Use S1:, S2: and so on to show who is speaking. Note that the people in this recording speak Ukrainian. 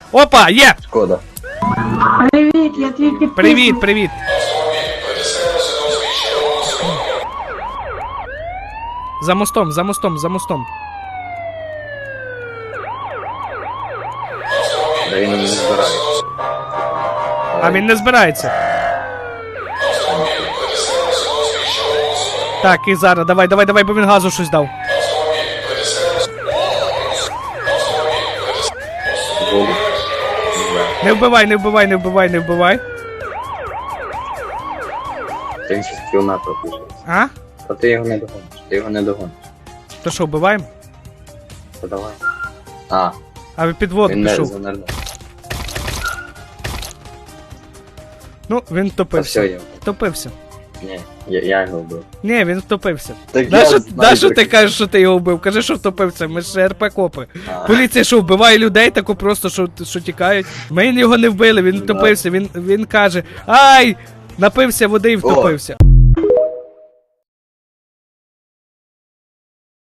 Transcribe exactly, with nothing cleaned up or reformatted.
S1: Опа, є!
S2: Шкода.
S3: Привіт, я твій підписник.
S1: Привіт, привіт. За мостом, за мостом, за мостом.
S2: Да він не збирається.
S1: А він не збирається. Так, і зараз, давай, давай, давай, бо він газу щось дав.
S2: Воду.
S1: Не вбивай, не вбивай, не вбивай, не вбивай.
S2: Він ще з кілометра пішов.
S1: А?
S2: А ти його не догониш. Ти його не догониш.
S1: То що, вбиваємо?
S2: Та давай. А,
S1: А під воду
S2: він не
S1: пішов.
S2: занирнув.
S1: Ну, він
S2: Та все
S1: втопився.
S2: його.
S1: Втопився.
S2: Ні, я, я його вбив.
S1: Ні, він втопився.
S2: Так
S1: Нащо нащо ти кажеш, що ти його вбив? Кажи, що втопився, ми ж РП-копи.
S2: А.
S1: Поліція що, вбиває людей, тако просто, що, що тікають? Ми його не вбили, він
S2: Да.
S1: втопився, він, він каже, ай, напився води і втопився.